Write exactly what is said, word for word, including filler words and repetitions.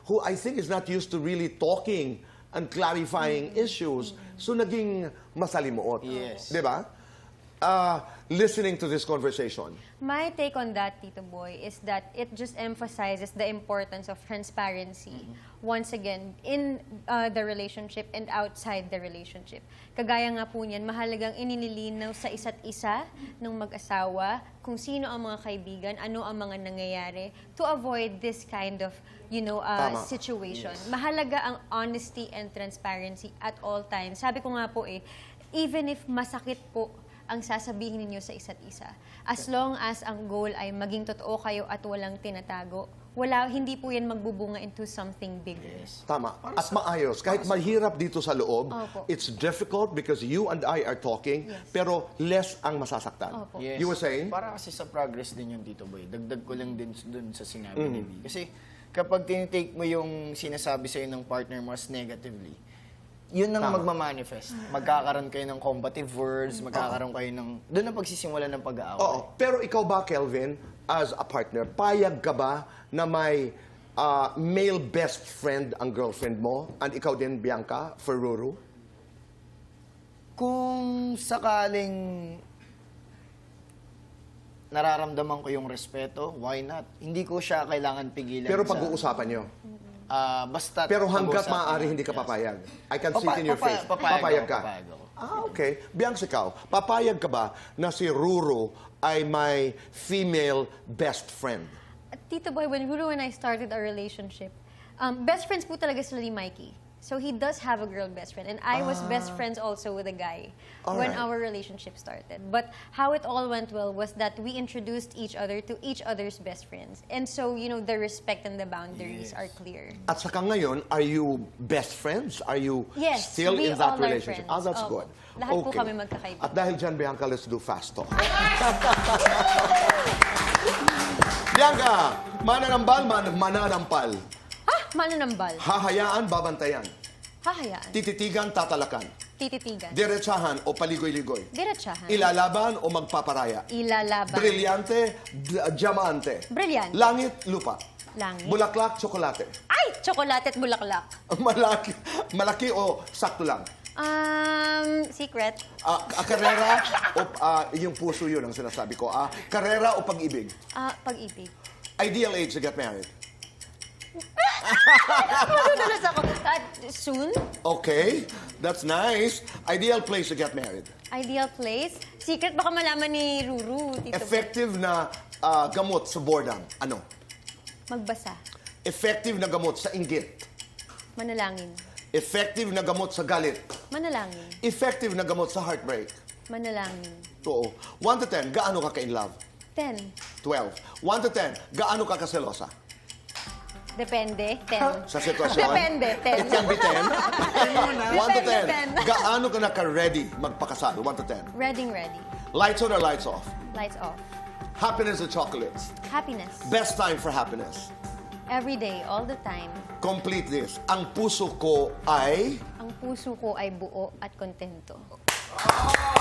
who I think is not used to really talking and clarifying mm-hmm. issues. So naging masalimuot. Yes. Di ba? Uh, listening to this conversation. My take on that, Tito Boy, is that it just emphasizes the importance of transparency mm-hmm. once again in uh, the relationship and outside the relationship. Kagaya nga po niyan, mahalagang inililinaw sa isa't isa ng mag-asawa kung sino ang mga kaibigan, ano ang mga nangyayari to avoid this kind of you know, uh, situation. Yes. Mahalaga ang honesty and transparency at all times. Sabi ko nga po eh, even if masakit po ang sasabihin ninyo sa isa't isa. As long as ang goal ay maging totoo kayo at walang tinatago, wala, hindi po yan magbubunga into something bigger. Yes. Tama. At maayos. Kahit mahirap dito sa loob, Opo. it's difficult because you and I are talking, yes. pero less ang masasaktan. Opo. Yes. You were saying? Para kasi sa progress din yung Tito Boy. Dagdag ko lang din dun sa sinabi mm. ni B. Kasi kapag tinitake mo yung sinasabi sa'yo ng partner mo as negatively, yun ang magmamanifest. Magkakaroon kayo ng combative words, magkakaroon kayo ng... Doon ang pagsisimula ng pag-aaway. Oo. Pero ikaw ba, Kelvin, as a partner, payag ka ba na may uh, male best friend ang girlfriend mo? And ikaw din, Bianca, for Ruru? Kung sakaling nararamdaman ko yung respeto, why not? Hindi ko siya kailangan pigilan. Pero sa... pag-uusapan nyo? Uh, basta Pero hanggat pag-uusapan maaari, niya. hindi ka Yes. papayag. I can see Papa- it in your papa- face. papayag papayag ako, ka. papayag ako. Ah, okay. Bianca, ikaw, papayag ka ba na si Ruru ay may female best friend? Tito Boy, when Ruru and I started our relationship, um, best friends po talaga sila ni Mikey. So he does have a girl best friend. And I was best friends also with a guy All when right. our relationship started. But how it all went well was that we introduced each other to each other's best friends. And so, you know, the respect and the boundaries Yes. are clear. At saka ngayon, are you best friends? Are you Yes, still we in that all are relationship? friends. Ah, that's Opo. good. Lahat po kami magkakaibigan. At dahil dyan, Bianca, let's do fast talk. Bianca, mananambal, man mananampal. Ah, mananambal. Hahayaan, babantayan. Hahayaan. Tititigan, tatalakan. Tititigan. Diretsahan o paligoy-ligoy. Diretsahan. Ilalaban o magpaparaya. Ilalaban. Brilyante, d- diamante. Brilyante. Langit, lupa. Langit. Bulaklak, tsokolate. Ay! Tsokolate at bulaklak. Malaki, malaki o sakto lang. Um, secret. Ah, ah, karera o ah, yung puso yun ang sinasabi ko. Ah, karera o pag-ibig. Ah, pag-ibig. Ideal age to get married. Madudulas ako. Uh, soon? Okay, that's nice. Ideal place to get married. Ideal place? Secret, baka malaman ni Ruru, Tito. Effective na ah, gamot sa boredom. Ano? Magbasa. Effective na gamot sa inggit. Manalangin. Effective na gamot sa galit. Manalangin. Effective na gamot sa heartbreak. Manalangin. Oo. one to ten, gaano ka ka-in love? Ten. twelve. one to ten, gaano ka kaselosa? Depende. Ten. Sa sitwasyon? Depende. Ten. It can be ten. one to ten, Depende, ten. gaano ka naka-ready magpakasal? one to ten. Ready, ready. Lights on or lights off? Lights off. Happiness or chocolates? Happiness. Best time for happiness? Every day, all the time. Complete this. Ang puso ko ay... Ang puso ko ay buo at kontento. Oh!